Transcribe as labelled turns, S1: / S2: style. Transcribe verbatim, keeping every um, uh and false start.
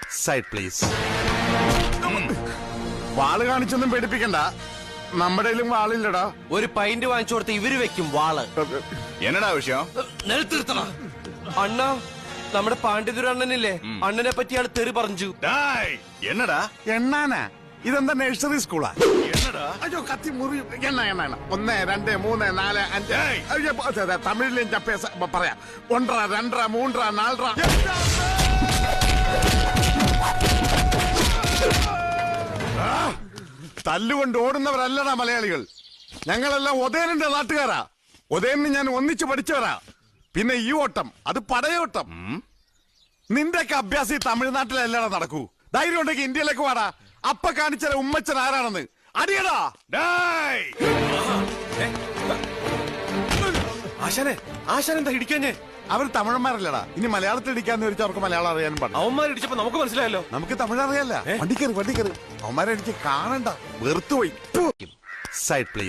S1: Side please. വാള് കാണിച്ചൊന്നും പേടിപ്പിക്കണ്ട, നമ്മുടെ വാളില്ലടാ.
S2: ഒരു pint വാങ്ങിച്ചു കൊടുത്ത് ഇവര് വെക്കും വാള്.
S3: എന്നടാ വിഷയം?
S2: നിലത്തിരുത്തണ അണ്ണ, നമ്മുടെ പാണ്ഡിതുര അണ്ണനില്ലേ, അണ്ണനെ പറ്റി ആള് തെറി പറഞ്ഞു.
S3: എന്നടാ
S1: എണ്ണാനാ? ഇതെന്താ നഴ്സറി സ്കൂളാ?
S3: എന്നടാ?
S1: അയ്യോ കത്തി മുറി. എണ്ണ എണ്ണ എണ്ണ ഒന്ന് രണ്ട് മൂന്ന് നാല് അഞ്ച്. അയ്യോ, അതെ, അതെ, തമിഴിലും ചപ്പേ പറയാം. ഒന്നര രണ്ടര മൂന്നര നാലര. തല്ലുകൊണ്ട് ഓടുന്നവരല്ലടാ മലയാളികൾ. ഞങ്ങളെല്ലാം ഉദയനന്റെ നാട്ടുകാരാ. ഉദയനെ ഞാൻ ഒന്നിച്ചു പഠിച്ചവരാ. പിന്നെ ഈ ഓട്ടം അത് പടയോട്ടം. നിന്റെയൊക്കെ അഭ്യാസം ഈ തമിഴ്നാട്ടിലല്ലടാ നടക്കൂ. ധൈര്യം ഉണ്ടെങ്കിൽ ഇന്ത്യയിലേക്ക് വാടാ. അപ്പ കാണിച്ചാൽ ഉമ്മച്ചൻ ആരാണെന്ന് അടിയടാ.
S2: ആശാനെ, ആശാൻ എന്താ ഇടിക്കാഞ്ഞേ?
S1: അവർ തമിഴന്മാരല്ലടാ. ഇനി മലയാളത്തിൽ ഇടിക്കാന്ന് ചോദിച്ചാൽ അവർക്ക് മലയാളം അറിയാനും പാടില്ല.
S2: അവന്മാരിടിച്ചപ്പോ നമുക്ക് മനസ്സിലായല്ലോ.
S1: നമുക്ക് തമിഴ് അറിയാല്ല. വണ്ടിക്കറി വണ്ടിക്കറി അവന്മാരെ എനിക്ക് കാണണ്ട, വെറുത്തുപോയി. Side please.